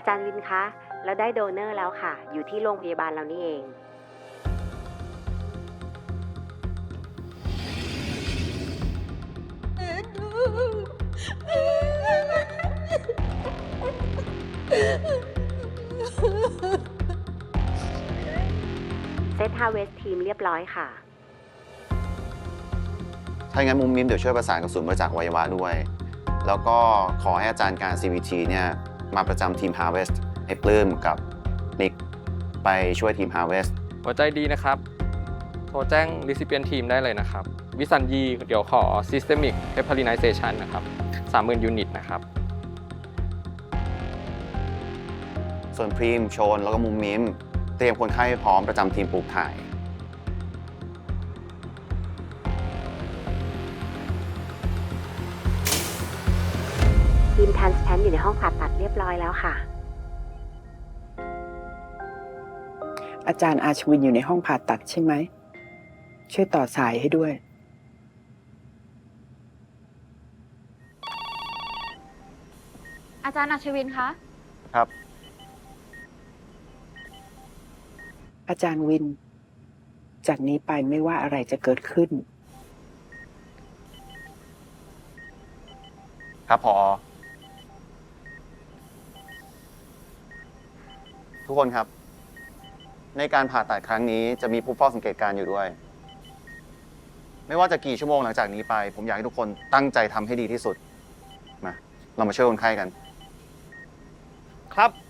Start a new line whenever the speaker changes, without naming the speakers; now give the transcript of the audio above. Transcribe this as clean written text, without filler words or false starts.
จารย์วินคะแล้วได้โดเนอร์แล้วค่ะ อยู่ที่โรงพยาบาลเรานี่เอง เซตฮาเวสทีมเรียบร้อยค่ะ
ถ้าอย่างนั้นมุมมิมเดี๋ยวช่วยประสานกับศูนย์บริจาคอวัยวะด้วย แล้วก็ขอให้อาจารย์การ CVT เนี่ยมาประจำทีม Harvest ให้ปลื้มกับนิกไปช่วยทีม Harvest
หัวใจดีนะครับ โทรแจ้ง recipient team ได้เลยนะครับ วิสัญญีเดี๋ยวขอ systemic heparinization นะครับ 30,000 ยูนิตนะครับ
ส่วนพรีมโชนแล้วก็มุมมิมเตรียมคนไข้ให้พร้อมประจำทีมปลูกถ่าย
ทีมทันสแพนอยู่ในห้องผ่าตัดเรียบร้อยแล้วค่ะ
อาจารย์อาชวินอยู่ในห้องผ่าตัดใช่ไหม ช่วยต่อสายให้ด้วย
อาจารย์อัชวินคะ
ครับ
อาจารย์วิน จากนี้ไปไม่ว่าอะไรจะเกิดขึ้น
ครับพอทุกคนครับ ในการผ่าตัดครั้งนี้จะมีผู้เฝ้าสังเกตการณ์อยู่ด้วย ไม่ว่าจะกี่ชั่วโมงหลังจากนี้ไป ผมอยากให้ทุกคนตั้งใจทำให้ดีที่สุดมาเรามาช่วยคนไข้กัน ครับ